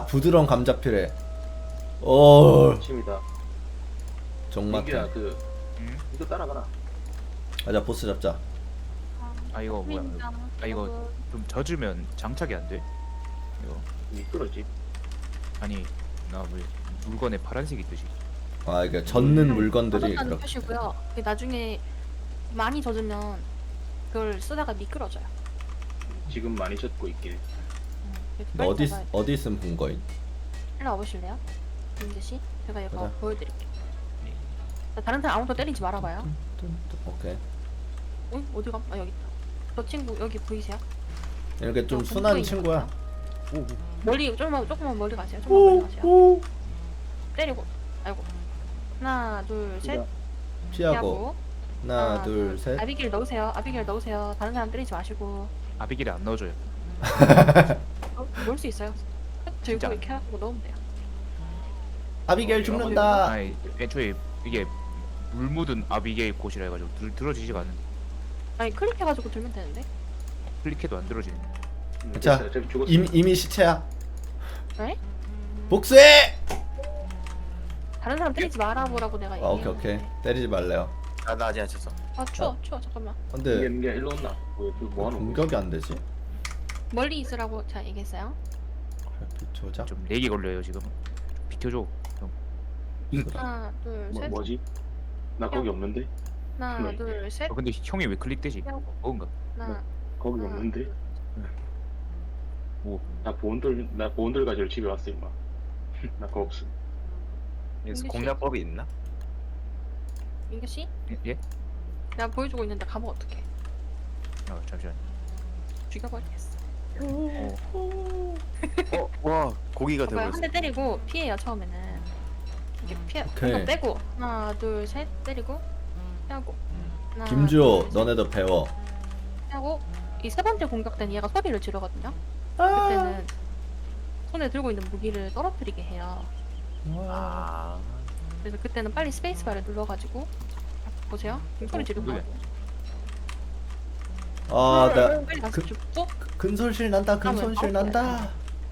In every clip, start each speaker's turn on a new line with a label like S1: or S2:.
S1: 부드러운 감자 피레. 오,
S2: 침이다.
S1: 정말.
S2: 민규야 그
S3: 응?
S2: 이거 따라가라.
S1: 가자, 보스 잡자.
S3: 아 이거 뭐야? 아 이거 좀 젖으면 장착이 안 돼. 이거
S2: 미끄러지.
S3: 아니 나 왜 물건에 파란색이 뜨지?
S1: 아, 이게 젖는 물건들이
S4: 젖었다는
S1: 그렇게.
S4: 표시고요. 나중에 많이 젖으면 그걸 쓰다가 미끄러져요.
S2: 지금 많이 젖고 있길.
S1: 너 어디 있음 본 거임?
S4: 일로 와보실래요? 민재 씨, 제가 이거
S1: 가자.
S4: 보여드릴게요. 자, 다른 사람 아무도 때리지 말아봐요.
S1: 오케이.
S4: 어디 가? 아 여기 있다. 저 친구 여기 보이세요?
S1: 이렇게 좀
S4: 저
S1: 순한
S4: 공포인
S1: 친구야.
S4: 것 같아요. 멀리 조금만 멀리 가세요. 조금만 멀리 가세요. 때리고. 아이고. 하나, 둘, 셋.
S1: 피하고. 하나, 둘, 셋.
S4: 아비길 넣으세요. 아비길 넣으세요. 다른 사람 때리지 마시고.
S3: 아비길에 안 넣어줘요.
S4: 넣을 수 있어요. 들고
S3: 진짜?
S4: 이렇게 하고 넣으면 돼요.
S1: 아비게일 죽는다.
S3: 아니 애초에 이게 물 묻은 아비게일 곳이라 해가지고 들어지지가 않는데
S4: 아니 클릭해가지고 들면 되는데.
S3: 클릭해도 안 들어지네.
S1: 자,
S2: 저기 죽었어.
S1: 이미 시체야.
S4: 네?
S1: 복수해.
S4: 다른 사람 때리지 말아보라고 내가
S1: 아,
S4: 얘기해.
S1: 오케이. 때리지 말래요.
S5: 나 아직 안 쳤어.
S4: 아 추워 잠깐만.
S1: 근데
S2: 민규야 일로 온나? 뭐 하는 거야?
S1: 공격이 안 되지?
S4: 멀리 있으라고 제가 얘기했어요.
S1: 별빛 조작.
S3: 좀 렉이 걸려요 지금. 좀 비켜줘. 형.
S4: 하나 둘 셋.
S2: 뭐지? 나 거기 없는데?
S4: 하나 둘 셋.
S3: 근데 형이 왜 클릭되지? 뭔가.
S4: 하나.
S2: 거기
S4: 하나,
S2: 없는데?
S3: 오.
S2: 나 보온들 가지고 집에 왔어 임마. 나 그거 없음.
S5: 여기서
S4: 민규 씨.
S5: 공략법이 있나?
S4: 민규 씨,
S3: 예?
S4: 내가 보여주고 있는데 가면 어떡해?
S3: 잠시만.
S4: 죽여버리겠어.
S5: 와 고기가
S4: 봐봐요.
S5: 되고
S4: 한 대 때리고 피해요 처음에는. 이렇게 피해.
S1: 오케이.
S4: 공격 빼고 하나 둘 셋 때리고 피하고. 하나,
S1: 김주호,
S4: 둘, 셋,
S1: 너네도 배워.
S4: 피하고 이 세 번째 공격 때는 얘가 소리를 지르거든요.
S1: 아.
S4: 그때는 손에 들고 있는 무기를 떨어뜨리게 해요.
S5: 아
S4: 그래서 그때는 빨리 스페이스바를 눌러가지고 보세요. 지금 소리 지르고.
S3: 그래.
S1: 아, 나
S4: 빨리 가서
S1: 그-
S4: 죽고
S1: 근손실 난다. 근손실 난다.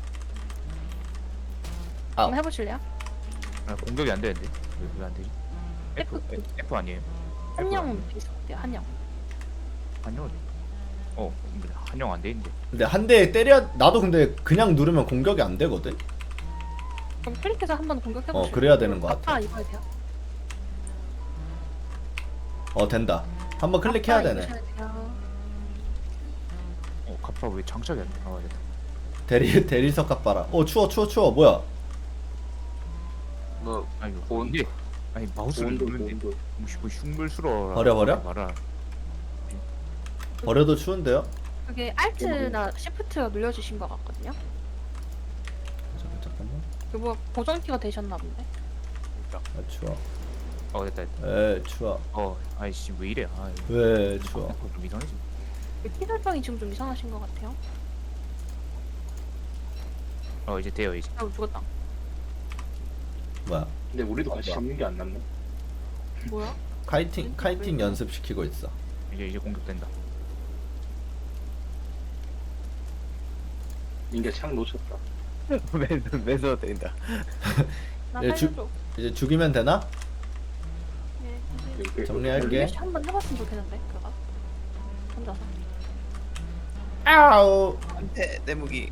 S4: 한번 해보실래요?
S3: 아, 공격이 안 되는데 왜 안 되지? F F 아니에요?
S4: 한영 비슷해요. 한영.
S3: 한영 근데 한영 안 돼 있는데.
S1: 근데 한 대 때려. 나도 근데 그냥 누르면 공격이 안 되거든.
S4: 그럼 클릭해서 한번 공격해보실래요?
S1: 그래야 되는 것 같아.
S4: 아빠 입어야 돼요.
S1: 된다. 한번 클릭해야
S4: 아빠
S1: 되네.
S4: 입으셔야 돼요.
S3: 갑파 왜 장착이 안 돼? 아 됐다.
S1: 대리석 값봐라. 추워. 뭐야?
S2: 뭐
S3: 아니 이거
S2: 본-
S3: 근데 아니 마우스를
S2: 보온돌
S3: 누르는데
S2: 보온돌.
S3: 뭐 흉물스러워.
S1: 버려?
S3: 말아.
S1: 버려도 추운데요?
S4: 그게 Alt나 Shift 눌려주신 것 같거든요.
S1: 잠깐만.
S4: 그거 고정키가 되셨나 본데.
S1: 아, 추워.
S3: 됐다.
S1: 추워.
S3: 아이씨 왜 이래?
S1: 왜 추워?
S3: 좀 이상해지.
S4: 키 설정이 지금 좀 이상하신 것 같아요.
S3: 이제 돼요 이제.
S4: 아우 죽었다.
S1: 뭐야?
S2: 근데 우리도 같이 잡는 게 안 낫나?
S4: 뭐야?
S1: 카이팅 연습시키고 있어.
S3: 이제 공격된다.
S2: 민규야 창 놓쳤다.
S5: 맨손 때린다.
S4: 나
S1: 예, 주-
S4: 살려줘.
S1: 이제 죽이면 되나?
S4: 네,
S2: 이렇게
S1: 정리할게.
S4: 민규 씨 한번 해봤으면 좋겠는데 그거. 혼자서.
S1: 아우.
S5: 안돼 내 무기.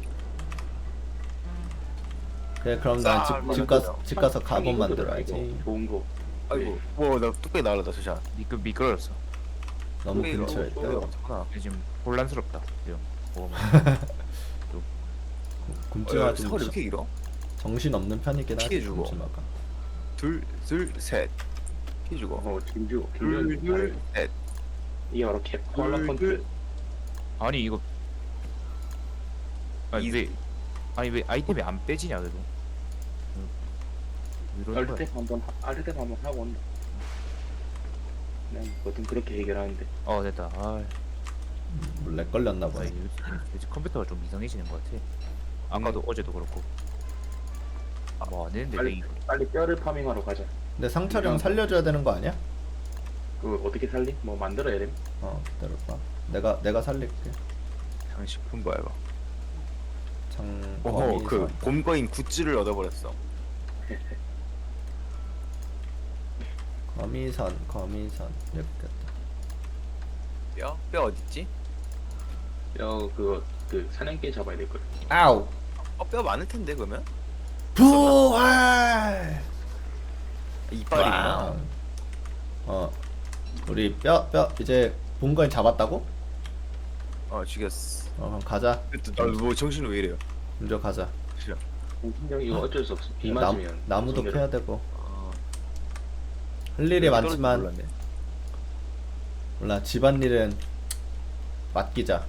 S1: 그래, 그럼 난 집 가서 가본 만들어야지.
S2: 좋은 거.
S5: 아이고 뭐나 뚝배기 날라다 수샷.
S3: 미끄러졌어.
S1: 너무
S5: 뚝배기가
S1: 근처에
S5: 뚝배기가
S1: 있다.
S5: 많구나.
S3: 근데 지금 혼란스럽다. 지금.
S1: 굶지마
S5: 서울이 왜 이렇게 길어?
S1: 정신 없는 편이긴 하지.
S5: 피해주고.
S1: 굶지마가.
S5: 둘셋 피주고
S2: 김주.
S5: 둘셋
S2: 이게 바로 컬러 컨트.
S3: 아니 이거 왜 아이템이 안 빼지냐 그래도. 왜 이러는 거야?
S2: 알트템 한번 하고 온다. 그냥 뭐든 그렇게 해결하는데.
S3: 됐다.
S1: 렉 걸렸나 보네.
S3: 요즘 컴퓨터가 좀 이상해지는 것 같아. 아까도 어제도 그렇고. 뭐 안 되는데 렉이.
S2: 빨리 뼈를 파밍하러 가자.
S1: 근데 상철형 살려줘야 되는 거 아니야?
S2: 그 어떻게 살리? 뭐 만들어야 돼?
S1: 기다려봐. 내가 살릴게.
S5: 장식품 봐봐. 어허 그
S1: 거미선.
S5: 곰거인 굿즈를 얻어버렸어.
S1: 거미선 예쁘겠다.
S5: 뼈 어딨지?
S2: 그거 그 사냥개 잡아야 될 거예요.
S1: 아우.
S5: 뼈 많을 텐데 그러면?
S1: 부활.
S5: 이빨이구나.
S1: 와우. 우리 뼈 이제 본거인 잡았다고?
S5: 죽였어.
S1: 그럼 가자.
S5: 뭐 정신 왜 이래요?
S1: 먼저 가자.
S5: 싫어.
S2: 공신력 이거 어쩔 수 없어. 비 맞으면
S1: 나무도
S2: 손해를-
S1: 캐야 되고. 할 일이 많지만
S5: 몰랐네.
S1: 몰라 집안일은 맡기자.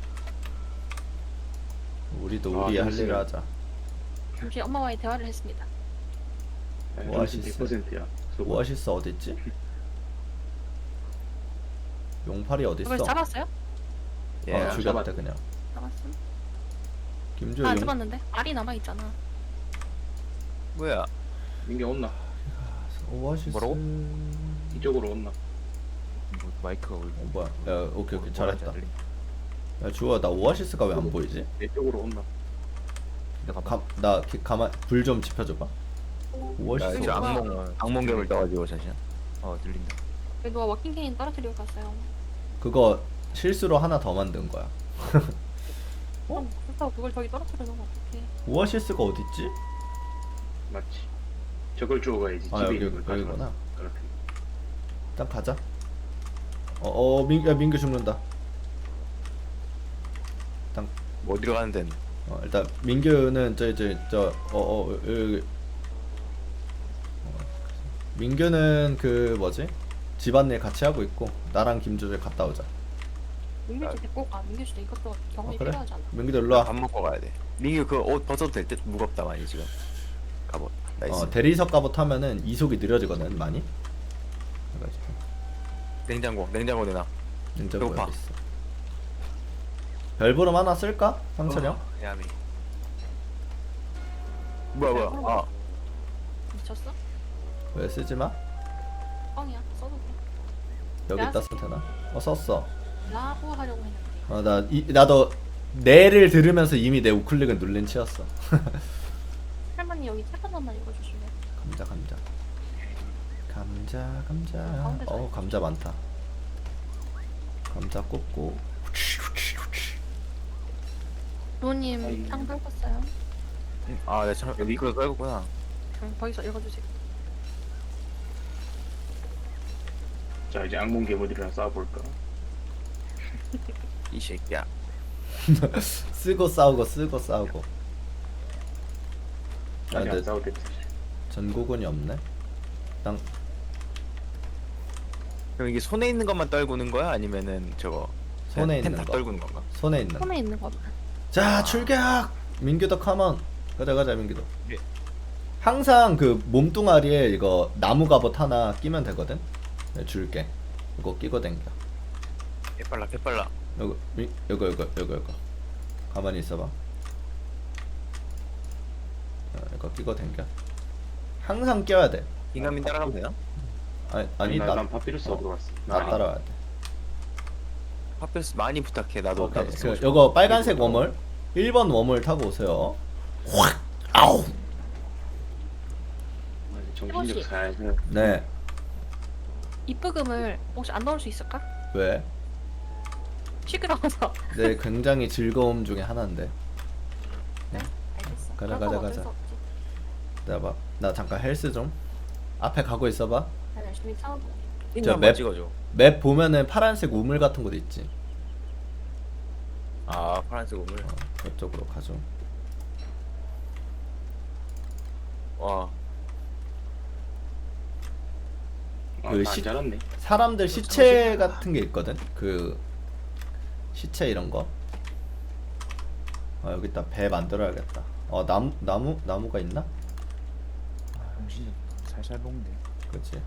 S1: 우리도 우리 할 일을 하자.
S4: 잠시 엄마와의 대화를 했습니다.
S2: 네,
S1: 오아시스.
S2: 100%야.
S1: 오아시스 어딨지? 용팔이 어딨어?
S4: 이걸 잡았어요?
S5: 예.
S1: 죽였다
S2: 잡았다.
S1: 그냥.
S4: 잡았음.
S1: 김주
S4: 안
S1: 용.
S4: 잡았는데 알이 남아 있잖아.
S5: 뭐야?
S2: 민규 온나?
S1: 오아시스.
S3: 뭐라고?
S2: 이쪽으로 온나?
S3: 뭐 마이크가 왜
S1: 뭐야? 야 오케이
S3: 뭐라는지
S1: 잘했다.
S3: 안 들리네.
S1: 야 주호야 나 오아시스가 왜 안 보이지?
S2: 내 쪽으로 온나?
S3: 내가
S1: 나 가만 불 좀 지펴줘봐.
S5: 나
S1: 오아시스.
S5: 이제 악몽개물 떠가지고 잠시만.
S3: 들린다.
S4: 누가 워킹 케인 떨어뜨리고 갔어요.
S1: 그거 실수로 하나 더 만든 거야.
S4: 그렇다고 그걸 저기 떨어뜨려 놓으면 어떡해.
S1: 오아시스가 어딨지?
S2: 맞지. 저걸 주워 가야지.
S1: 아
S2: 집에
S1: 여기
S2: 있는 걸 가져가.
S1: 여기구나.
S2: 그렇게.
S1: 일단 가자. 민규 죽는다. 일단
S5: 뭐 어디로 가는데?
S1: 일단 민규는 여기. 민규는 그 뭐지? 집안일 같이 하고 있고 나랑 김주재 갔다 오자.
S4: 민규 씨 데리고 가. 민규 씨도 이것도 경험이
S1: 그래?
S4: 필요하잖아.
S1: 민규도 일로 와.
S5: 밥 먹고 가야 돼. 민규 그 옷 벗어도 될 듯? 무겁다 많이 지금. 갑옷. 나이스.
S1: 대리석 갑옷 하면은 이속이 느려지거든 많이. 그래가지고
S5: 냉장고 내놔.
S1: 냉장고에
S5: 배고파.
S1: 있어. 별부름 하나 쓸까? 상철형?
S5: 야미. 뭐야. 아
S4: 미쳤어?
S1: 왜 쓰지 마?
S4: 뻥이야. 써도 돼.
S1: 여기다 쓰면 되나? 썼어.
S4: 라고 하려고 했는데.
S1: 나도 내를 들으면서 이미 내 우클릭을 눌린 치였어.
S4: 할머니 여기 책 하나만 읽어주실래?
S1: 감자.
S4: 가운데
S1: 감자 많다. 감자 꽂고.
S4: 부모님 땅 밟았어요.
S5: 내 참 이거 떨구구나.
S4: 거기서 읽어주세요.
S2: 자 이제 악몽 괴물들이랑 싸워볼까?
S5: 이 새끼야.
S1: 쓰고 싸우고.
S2: 아직 안
S1: 근데
S2: 싸울 때
S1: 전국은이 없네. 땅
S5: 그럼 이게 손에 있는 것만 떨구는 거야? 아니면은 저거
S1: 손에
S5: 펜
S1: 있는
S5: 다
S1: 거.
S5: 떨구는 건가?
S1: 손에 있는.
S4: 손에 있는 거.
S1: 자 출격. 민규도 컴온. 가자 민규도.
S5: 예.
S1: 항상 그 몸뚱아리에 이거 나무 갑옷 하나 끼면 되거든. 내가 줄게. 이거 끼고 댕겨.
S5: 개빨라.
S1: 이거. 가만히 있어봐. 이거 끼고 댕겨. 항상 껴야 돼.
S5: 인간민 따라가면 되나?
S1: 아니
S2: 난 파피루스 얻으러 갔어.
S1: 나 따라와야 돼.
S5: 팝패스 많이 부탁해. 나도
S1: 오케이.
S5: 쓰고 싶어.
S1: 요거 빨간색 웜을 1번 웜을 타고 오세요. 확! 아우!
S2: 정신력 살살.
S1: 네.
S4: 입부금을 혹시 안 넣을 수 있을까?
S1: 왜?
S4: 시끄러워서.
S1: 내 굉장히 즐거움 중에 하나인데.
S4: 알겠어.
S1: 가자,
S4: 그럴 건
S1: 가자,
S4: 어쩔
S1: 가자.
S4: 수 없지.
S1: 내가 나 잠깐 헬스 좀. 앞에 가고 있어봐.
S4: 난 열심히 싸우고.
S1: 저
S5: 한번
S1: 맵-
S5: 찍어줘.
S1: 맵 보면은 파란색 우물 같은 곳 있지.
S5: 파란색 우물.
S1: 그쪽으로 가죠.
S5: 와.
S1: 그
S2: 안 자랐네.
S1: 사람들 시체 같은 게 있거든. 그 시체 이런 거. 여기다 배 만들어야겠다. 나무가 있나?
S3: 정신이 살살 먹는데.
S1: 그렇지.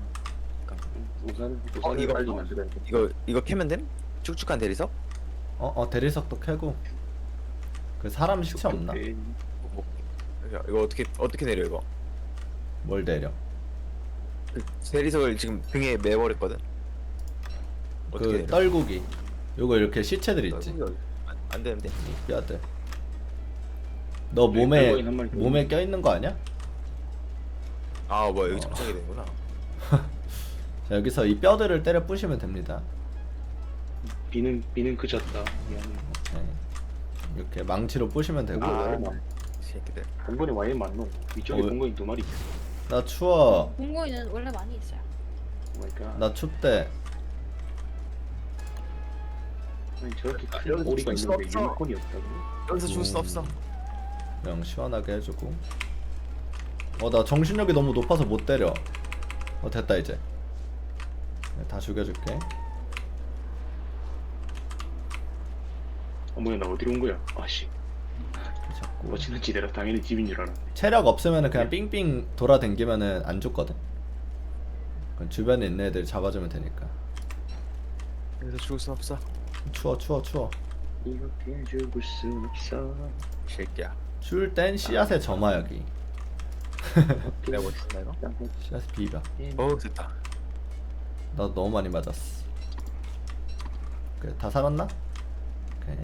S2: 우산을
S5: 이거-
S2: 빨리 만들어야 돼.
S5: 이거 캐면 됨? 축축한 대리석?
S1: 대리석도 캐고. 그 사람 시체 없나?
S5: 이거 어떻게 내려 이거?
S1: 뭘 내려?
S5: 그 대리석을 지금 등에 매버렸거든. 어떻게
S1: 그
S5: 내려?
S1: 떨구기. 요거 이렇게 시체들 있지.
S5: 안 되는데.
S1: 뼈들. 너 몸에
S2: 별거인 한 마리 더
S1: 몸에 껴 있는 거 아니야?
S5: 아 뭐야 여기 정착이 되는구나.
S1: 자, 여기서 이 뼈들을 때려 부시면 됩니다.
S2: 비는 그쳤다. 미안해.
S1: 네. 이렇게 망치로 부시면 되고.
S2: 아,
S5: 새끼들.
S2: 공건이 와인 많노. 위쪽에
S1: 어,
S2: 공건이 2마리 있어.
S1: 나 추워.
S4: 공고인은 원래 많이 있어요.
S2: 오 마이 갓.
S1: 나 춥대.
S2: 아니 저렇게
S5: 아,
S2: 큰
S5: 여기서
S2: 오리가
S5: 줄수
S2: 있는데
S5: 없어.
S2: 유니콘이 없다고?
S5: 여기서 줄 수 없어.
S1: 그냥 시원하게 해주고. 나 정신력이 너무 높아서 못 때려. 됐다 이제. 네, 다 죽여줄게.
S2: 어머야 나 어디로 온 거야? 아씨.
S1: 자꾸.
S2: 멋지는 지대라 당연히 집인 줄 알았는데.
S1: 체력 없으면은 그냥 삥삥 돌아댕기면은 안 죽거든. 그럼 주변에 있는 애들 잡아주면 되니까.
S5: 여기서 죽을 수 없어.
S1: 추워.
S2: 이렇게 죽을 순 없어.
S5: 새끼야.
S1: 추울 땐 씨앗에 점화하기.
S5: 내가 뭐 했나 이거?
S1: 씨앗에 비벼.
S5: 됐다.
S1: 나도 너무 많이 맞았어. 그래, 다 살았나? 오케이.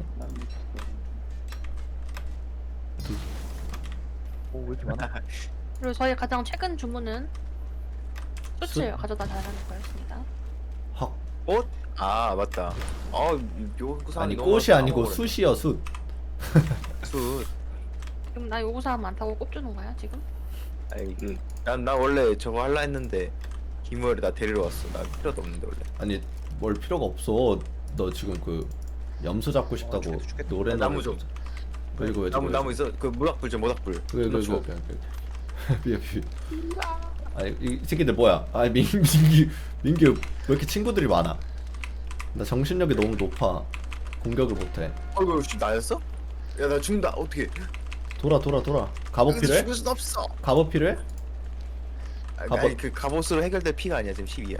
S3: 왜 이렇게 많아?
S4: 그리고 저희 가장 최근 주문은 숯을
S1: 숯?
S4: 가져다 달라는 거였습니다.
S1: 헉.
S5: 꽃? 아 맞다. 요구사항이
S1: 아니
S5: 너무
S1: 꽃이
S5: 많다.
S1: 아니고
S5: 까먹어버렸네.
S1: 숯이여 숯.
S5: 숯.
S4: 그럼 나 요구사항 많다고 꼽주는 거야 지금?
S5: 아니 나 원래 저거 할라 했는데 김우열이 나 데리러 왔어. 나 필요도 없는데 원래.
S1: 아니 뭘 필요가 없어. 너 지금 그 염소 잡고 싶다고
S5: 죽겠다.
S1: 노래
S5: 나무 좀.
S1: 그리고 왜
S5: 나무 있어. 그 모닥불 좀 모닥불.
S1: 그래
S5: 줘.
S1: 미안. 아니 이 새끼들 뭐야? 아니 민규 왜 이렇게 친구들이 많아? 나 정신력이 너무 높아. 공격을 못해.
S5: 어이구 씨 나였어? 야 나 죽는다. 어떻게?
S1: 돌아. 갑옷 필요해?
S5: 죽을 순 없어.
S1: 갑옷 필요해?
S5: 아니 그 갑옷으로 해결될 피가 아니야 지금 10이야.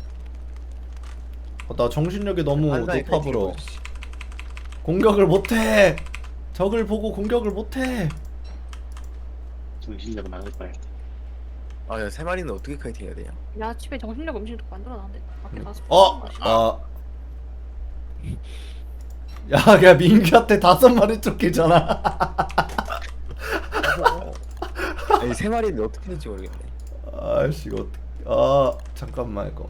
S1: 나 정신력이 너무 높아 불어. 공격을 못해. 적을 보고 공격을 못해.
S2: 정신력 나갈 바에.
S5: 아야 세 마리는 어떻게 카이팅해야 되냐?
S4: 야 집에 정신력 음식도 만들어놨는데 밖에 나가서
S1: 야, 민규한테 5마리 쫓기잖아.
S5: 아니 세 마리는 어떻게 될지 모르겠네.
S1: 아씨, 이거 잠깐만 이거.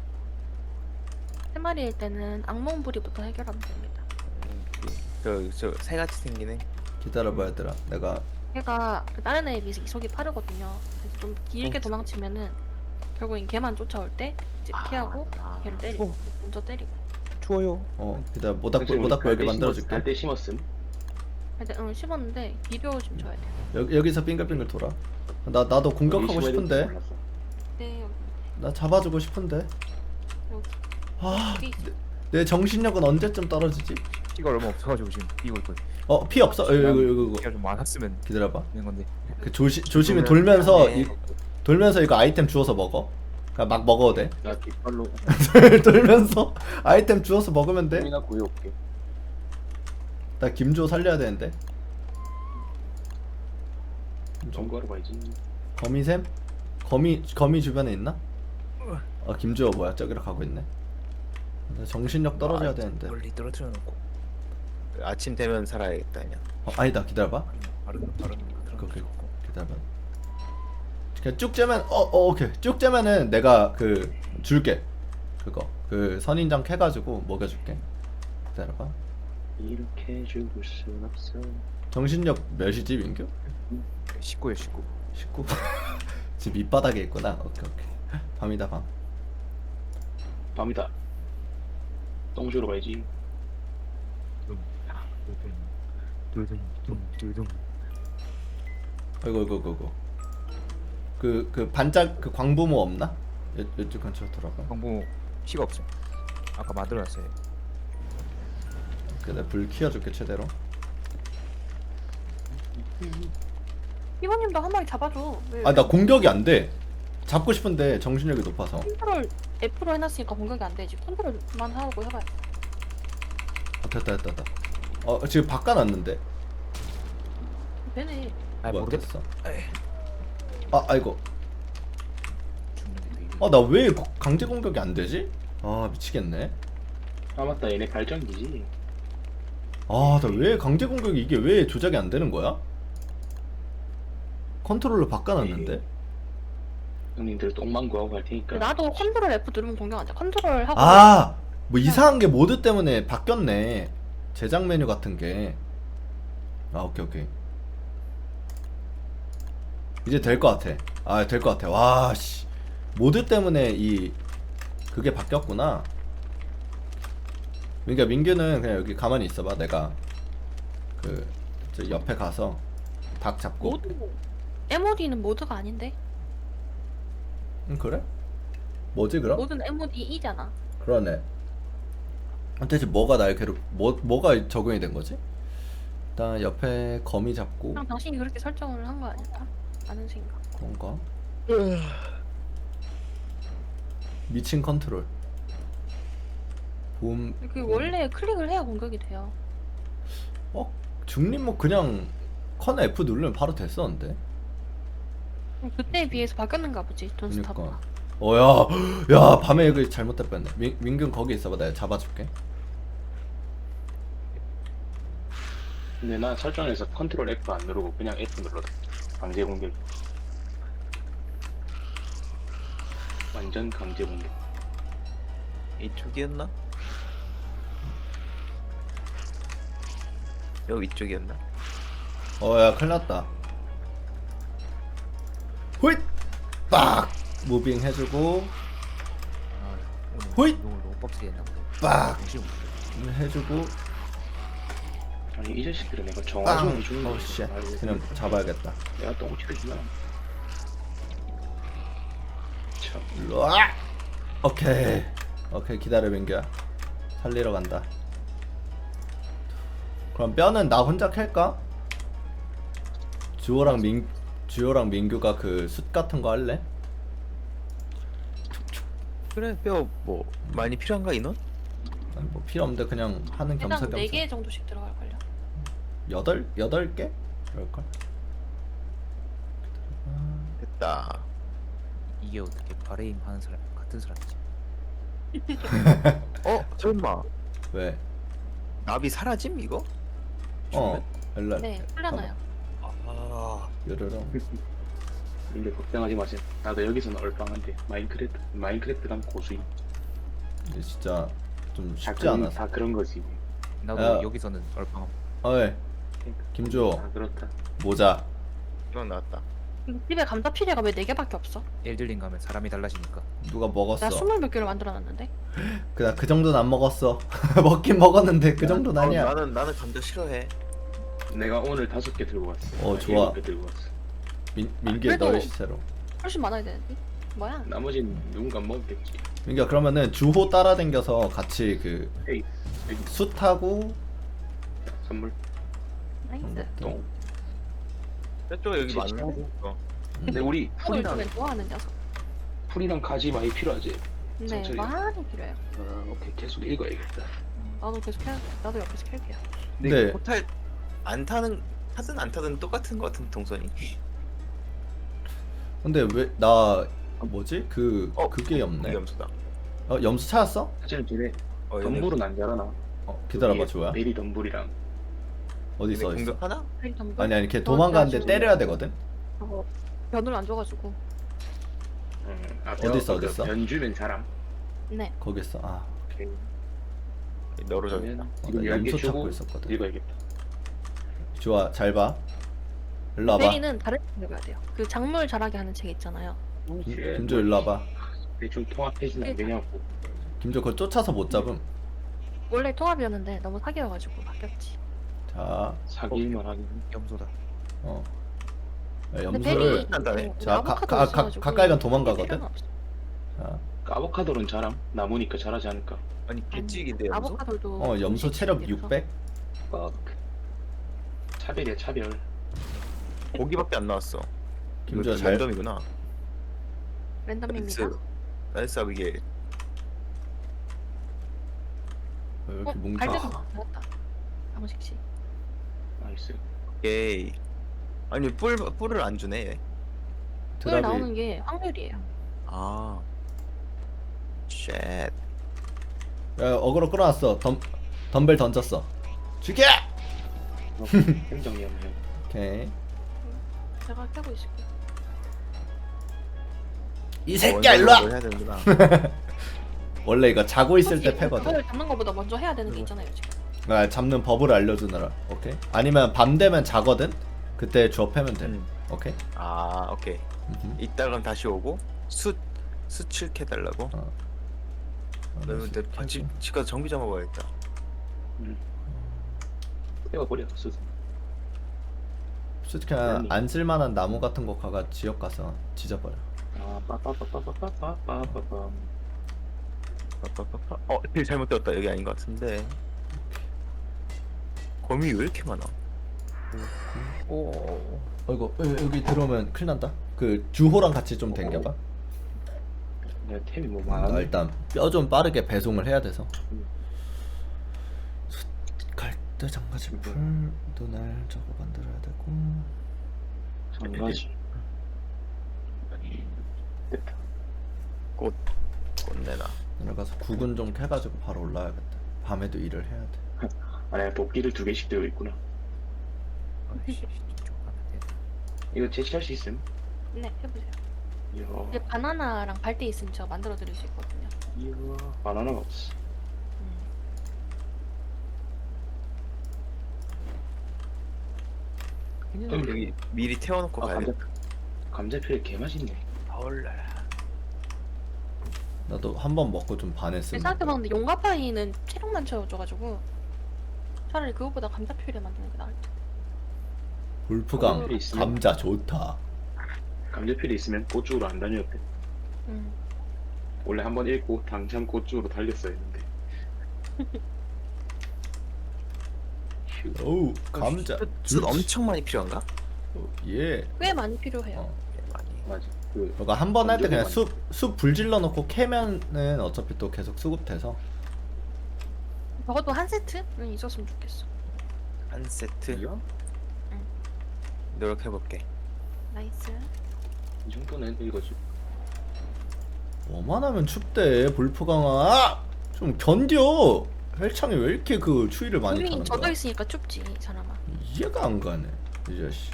S4: 세 마리일 때는 악몽부리부터 해결하면 됩니다.
S5: 저 새같이 생기네.
S1: 기다려봐 얘들아. 내가
S4: 걔가 다른 애에 비해서 이속이 빠르거든요. 그래서 좀 길게 도망치면은 결국엔 걔만 쫓아올 때 이제 피하고 걔를 때리고 먼저 때리고.
S5: 추워요.
S1: 기다려. 모닥불 여기 만들어줄게.
S2: 갈대 심었음.
S4: 근데 심었는데 비벼 좀 줘야 돼.
S1: 여기서 빙글빙글 돌아. 나도 공격하고 싶은데.
S4: 네 여기
S1: 나 잡아주고 싶은데.
S4: 여기
S1: 아,
S4: 여기 있어.
S1: 내 정신력은 언제쯤 떨어지지?
S3: 피가 얼마 없어가지고 지금 뛰고 있거든.
S1: 피 없어? 이거.
S3: 피가 좀 많았으면
S1: 기다려봐.
S3: 되는 건데.
S1: 그 조심히 돌면서 이거 아이템 주워서 먹어. 그냥 막 먹어도 돼.
S2: 나 뒷발로
S1: 돌면서 아이템 주워서 먹으면 돼.
S2: 꿈이나 구해올게.
S1: 나 김조 살려야 되는데.
S2: 정구하러 가야지.
S1: 거미샘? 거미 주변에 있나? 김주호 뭐야? 저기로 가고 있네. 나 정신력 떨어져야 되는데.
S5: 멀리 떨어뜨려 놓고. 아침 되면 살아야겠다 그냥.
S1: 아니다. 기다려봐.
S3: 바로
S1: 오케이. 기다려봐. 그냥 쭉 째면 오케이. 쭉 째면은 내가 그 줄게. 그거 그 선인장 캐가지고 먹여줄게. 기다려봐.
S2: 이렇게 죽을 순 없어.
S1: 정신력 몇이지 민규?
S3: 19요 19.
S1: 19? 지금 밑바닥에 있구나. 오케이. 밤이다 밤.
S2: 밤이다. 똥 주러 가야지.
S1: 아이고. 그 반짝 그 광부모 없나? 이쪽 근처로 돌아가.
S3: 광부 피가 없어. 아까 만들어놨어요.
S1: 그래 불 키워줄게 최대로.
S4: 이모님도 한 마리 잡아줘.
S1: 나 공격이 안 돼. 잡고 싶은데 정신력이 높아서.
S4: 컨트롤 F로 해놨으니까 공격이 안 되지. 컨트롤만 하고 해봐요.
S1: 됐다. 지금 바꿔놨는데.
S4: 되네.
S3: 아
S1: 뭐야,
S3: 모르겠어.
S1: 됐어. 아이고. 나 왜 강제 공격이 안 되지? 미치겠네.
S2: 아 맞다 얘네 발전기지.
S1: 나 왜 강제 공격이 이게 왜 조작이 안 되는 거야? 컨트롤러 바꿔놨는데?
S2: 형님들 똥망구하고 갈 테니까.
S4: 나도 컨트롤 F 누르면 공격 안 돼. 컨트롤 하고
S1: 아! 뭐 이상한 게 모드 때문에 바뀌었네. 제작 메뉴 같은 게. 아, 오케이, 오케이. 이제 될 것 같아. 아, 될 것 같아. 와, 씨. 모드 때문에 그게 바뀌었구나. 그러니까 민규는 그냥 여기 가만히 있어봐. 내가 저 옆에 가서 닭 잡고.
S4: 모드 MOD는 모드가 아닌데.
S1: 그래? 뭐지 그럼?
S4: 모드는 MOD E잖아.
S1: 그러네. 대체 뭐가 날 뭐가 적용이 된 거지? 일단 옆에 거미 잡고
S4: 그냥 당신이 그렇게 설정을 한 거 아닐까? 라는 생각.
S1: 그런가? 미친 컨트롤. 봄.
S4: 그 원래 클릭을 해야 공격이 돼요.
S1: 중립 뭐 그냥 컨 F 누르면 바로 됐었는데.
S4: 그때에 비해서 바뀌었는가 보지. 돈스타브가.
S1: 그러니까. 야 밤에 이거 잘못될 뻔했네. 민균 거기 있어봐. 내가 잡아줄게.
S2: 근데 난 설정에서 컨트롤 F 안 누르고 그냥 F 눌러다. 강제 공격. 완전 강제 공격.
S5: 이쪽이었나? 여기 이쪽이었나?
S1: 야 큰일났다. 호잇! 빡! 무빙 해주고
S3: 아, 오늘
S1: 호잇!
S3: 운동을 너무 빡세게 했나 보네.
S1: 빡!
S3: 정신을 못 차려.
S1: 해주고
S2: 아니 이 자식들은 내가 정화좀
S1: 빵!
S2: 해주는
S1: 어우 씨 그냥 잡아야겠다.
S2: 내가 똥치르구나. 참.
S1: 일로와! 오케이 기다려 민규야. 살리러 간다. 그럼 뼈는 나 혼자 캘까? 주호랑 민규가 그 숯 같은 거 할래?
S5: 그래 뼈 뭐 많이 필요한가 인원?
S1: 아니, 뭐 필요 없는데 그냥 하는
S4: 일단
S1: 겸사겸사.
S4: 4개 정도씩 들어갈걸요.
S1: 8개? 그럴걸?
S5: 됐다.
S3: 이게 어떻게 바레임 하는 사람 같은 사람이지?
S5: 설마
S1: 왜?
S5: 나비 사라짐 이거?
S1: 일로
S4: 네, 풀려나요.
S5: 아
S1: 요르렁.
S2: 근데 걱정하지 마세요. 나도 여기서는 얼빵한데 마인크래프트랑 고수임.
S1: 근데 진짜 좀
S2: 다
S1: 쉽지
S2: 그런,
S1: 않았어.
S2: 다 그런 거지.
S3: 나도
S1: 야.
S3: 여기서는 얼빵.
S1: 어이 김주호
S2: 다 그렇다.
S1: 모자.
S5: 이만 나왔다.
S4: 집에 감자 피레가 왜 4개밖에 없어?
S3: 엘들링 가면 사람이 달라지니까.
S1: 누가 먹었어?
S4: 나 20몇 개를 만들어놨는데.
S1: 그 정도는 안 먹었어. 먹긴 먹었는데 그 정도는 아니야.
S5: 나는 감자 싫어해.
S2: 내가 오늘 5개 들고 왔어.
S1: 좋아.
S2: 7개 들고 왔어.
S1: 민규의
S4: 그래도-
S1: 너의 시체로.
S4: 훨씬 많아야 되는데. 뭐야?
S2: 나머지는 누군가 먹겠지.
S1: 민규야 그러면은 주호 따라댕겨서 같이 그
S2: 에이,
S1: 숯하고
S2: 선물.
S4: 나이스.
S2: 똥.
S5: 저쪽에 여기
S2: 그치,
S5: 많네.
S2: 근데 우리
S4: 풀을
S2: 풀이랑
S4: 요즘엔 좋아하는 녀석.
S2: 풀이랑 가지 많이 필요하지.
S4: 네,
S2: 천천히.
S4: 많이 필요해요.
S2: 오케이 계속 읽어야겠다.
S4: 나도 계속 해야 나도 옆에서 캘게요.
S5: 근데
S1: 네.
S5: 이거 포탈 안 타든 안 타든 똑같은 거 같은 동선이.
S1: 근데 왜 나 뭐지? 그게 없네.
S5: 염소다.
S1: 염수 찾았어?
S2: 사실은 쟤네
S5: 얘네
S2: 덤불은 안 자라나.
S1: 기다려봐 주호야.
S2: 베리 덤불이랑.
S1: 어디 있어?
S5: 공격하나?
S1: 아니 걔 도망가는데 때려야 되거든.
S4: 저거 변을 안 줘가지고.
S1: 어디 있어, 어디 있어?
S2: 변주면 사람.
S4: 네.
S1: 거기 있어.
S2: 오케이.
S5: 너로 정했다.
S2: 그러면
S1: 나
S2: 지금 10개
S1: 염소 찾고
S2: 주고
S1: 있었거든.
S2: 읽어야겠다.
S1: 주호야 잘 봐. 일로 와봐.
S4: 베리는 다른 책 읽어야 돼요. 그 작물 자라게 하는 책 있잖아요.
S1: 김조 일로 와봐.
S2: 대충 통합해지는 안 되냐고.
S1: 김조 그거 쫓아서 못 잡음.
S4: 원래 통합이었는데 너무 사기여가지고 바뀌었지.
S1: 자,
S2: 사기일만 하긴.
S3: 염소다.
S4: 근데
S1: 염소를
S5: 한다네.
S1: 자, 가까이 가면 도망가거든? 자,
S2: 아보카도는 자람. 나무니까 자라지 않을까.
S5: 아니 개찍인데 염소?
S4: 아보카도도
S1: 염소 체력
S4: 음식이라서.
S1: 600?
S2: 차별이야 차별.
S5: 고기밖에 안 나왔어.
S1: 김주야
S5: 이거
S1: 잘
S5: 랜덤이구나.
S4: 랜덤입니다.
S5: 나이스 이게
S1: 왜 이렇게 뭉쳐?
S4: 갈대도 나왔다. 방식씨.
S2: 나이스.
S5: 오케이. 아니 뿔을 안 주네. 얘.
S4: 꿀
S1: 드랍이
S4: 나오는 게 확률이에요.
S5: 아. 쉣.
S1: 야, 어그로 끌어놨어. 덤벨 던졌어. 죽여!
S2: 행정이었네.
S1: 오케이.
S4: 제가 캐고 있을게요.
S1: 이 새끼야 일로 와.
S5: 해야 되는구나.
S1: 원래 이거 자고 있을 때
S4: 굳이
S1: 패거든.
S4: 그걸 잡는 것보다 먼저 해야 되는 게 있잖아요 지금.
S1: 아, 잡는 법을 알려주느라. 오케이. 아니면 밤 되면 자거든. 그때 주워 패면 돼. 오케이.
S5: 아 오케이.
S1: 음흠.
S5: 이따 그럼 다시 오고 수 7캐 달라고.
S1: 어.
S5: 너는 근데 집 가서 정비 좀 먹어야겠다.
S2: 내가 버려 쓰서.
S1: 솔직히 안 쓸만한 나무 같은 거 가가 지역 가서 지져버려.
S2: 아 빠빠빠빠빠빠빠빠빠.
S5: 길 잘못 되었다. 여기 아닌 것 같은데. 거미 왜 이렇게 많아?
S1: 오. 어이구 여기 들어오면 큰일 난다. 그 주호랑 같이 좀 댕겨봐.
S2: 내가 템이 뭐
S1: 나
S2: 많아.
S1: 일단 뼈 좀 빠르게 배송을 해야 돼서. 갈대 장가지 풀도 날 저거 만들어야 되고.
S2: 장가지. 됐다.
S5: 꽃내나.
S1: 내려가서 국은 좀 캐가지고 바로 올라야겠다. 밤에도 일을 해야 돼.
S2: 아 내가 도끼를 2개씩 들고 있구나.
S3: 아이씨, 이쪽 가면 돼.
S2: 이거 제시할 수 있음?
S4: 네 해보세요.
S2: 이야.
S4: 이제 바나나랑 발대 있으면 제가 만들어 드릴 수 있거든요.
S2: 이야. 바나나가 없어.
S5: 여기 미리 태워놓고
S2: 아
S5: 가야겠다.
S2: 감자필 개 맛있네.
S5: 헐라.
S1: 나도 한 번 먹고 좀 반했음.
S4: 생각해봤는데 용가파이는 체력만 채워줘가지고 차라리 그것보다 감자퓨레 만드는 게 나을 듯.
S1: 울프강
S2: 감자필이 있으면?
S1: 감자 좋다.
S2: 감자필이 있으면 고쪽으로 안 다녔대. 원래 한번 읽고 당장 고쪽으로 달렸어야 했는데. 휴.
S1: 어우 감자
S5: 숯 엄청 많이 필요한가?
S1: 예.
S4: 꽤 많이 필요해요.
S1: 어.
S5: 네, 많이.
S2: 맞아. 그
S1: 너가 한 번 할 때 그냥
S2: 건조기
S1: 숲 불질러 놓고 캐면은 어차피 또 계속 수급돼서.
S4: 적어도 한 세트는 있었으면 좋겠어.
S5: 한 세트
S2: 이야?
S5: 노력해볼게.
S4: 나이스.
S2: 이 정도는 읽어줘.
S1: 뭐만 하면 춥대 볼프강아. 좀 견뎌. 헬창이 왜 이렇게 그 추위를 많이
S4: 몸이
S1: 타는
S4: 젖어
S1: 거야?
S4: 있으니까 춥지 이 사람아.
S1: 이해가 안 가네 이 자식.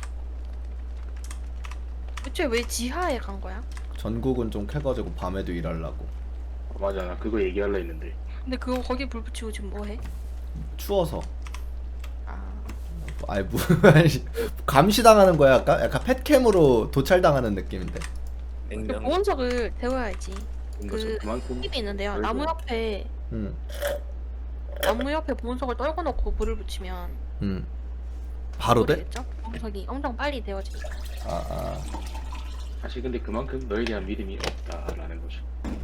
S4: 대체 왜 지하에 간 거야?
S1: 전국은 좀 캐가지고 밤에도 일하려고.
S2: 맞아, 나 그거 얘기하려 했는데.
S4: 근데 그거 거기 불 붙이고 지금 뭐 해?
S1: 추워서.
S4: 아
S1: 아이 뭐 감시당하는 거야 약간? 약간 펫캠으로 도찰당하는 느낌인데.
S4: 그
S5: 냉면
S4: 보온석을 데워야지.
S2: 그 그만큼
S4: 팁이 있는데요.
S2: 아이고.
S4: 나무 옆에 보온석을 떨궈 놓고 불을 붙이면
S1: 바로 돼?
S4: 되겠죠? 보온석이 엄청 빨리 데워지니까.
S1: 아.
S2: 사실 근데 그만큼 너에 대한 믿음이 없다라는 거죠.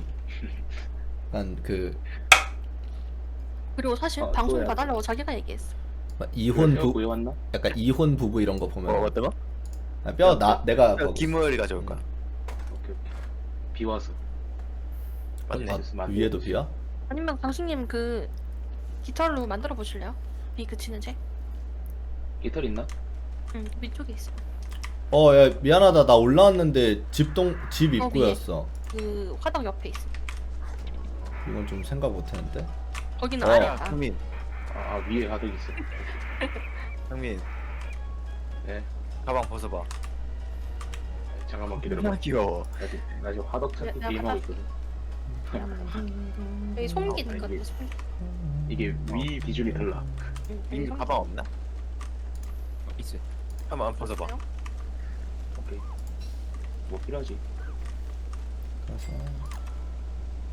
S1: 약간 그
S4: 그리고 사실
S2: 아,
S4: 방송
S2: 또야.
S4: 봐달라고 자기가 얘기했어.
S1: 막 이혼 부
S2: 구해왔나?
S1: 약간 이혼 부부 이런 거 보면
S5: 어떤 거?
S1: 아, 뼈 내가 거기-
S5: 김우열이 가져올 거야.
S2: 오케이. 비 와서.
S5: 맞네.
S1: 아, 위에도 비야?
S4: 아니면 강수님 그 깃털로 만들어 보실래요? 비 그치는 책?
S2: 깃털 있나?
S4: 응, 위쪽에 있어.
S1: 야 미안하다 나 올라왔는데 집
S4: 위에.
S1: 입구였어.
S4: 그 화덕 옆에 있어.
S1: 이건 좀 생각 못했는데.
S4: 거기는
S1: 어.
S4: 아래야.
S5: 형민,
S2: 아 위에 하덕 있어.
S5: 형민,
S2: 네.
S5: 가방 벗어봐.
S2: 잠깐만 기다려봐.
S5: 얼마나 귀여워.
S2: 나 지금 하덕 찾기
S4: 내가
S2: 게임하고
S4: 받아.
S2: 있거든.
S4: 여기 송기
S2: 아,
S4: 있거든요.
S2: 이게-
S4: 송기.
S2: 이게 위 기준이 달라.
S4: 응, 여기
S5: 민규
S4: 송기
S5: 가방 없나?
S3: 있어요.
S5: 한번 벗어봐.
S4: 있어요?
S2: 오케이. 뭐 필요하지?
S1: 그래서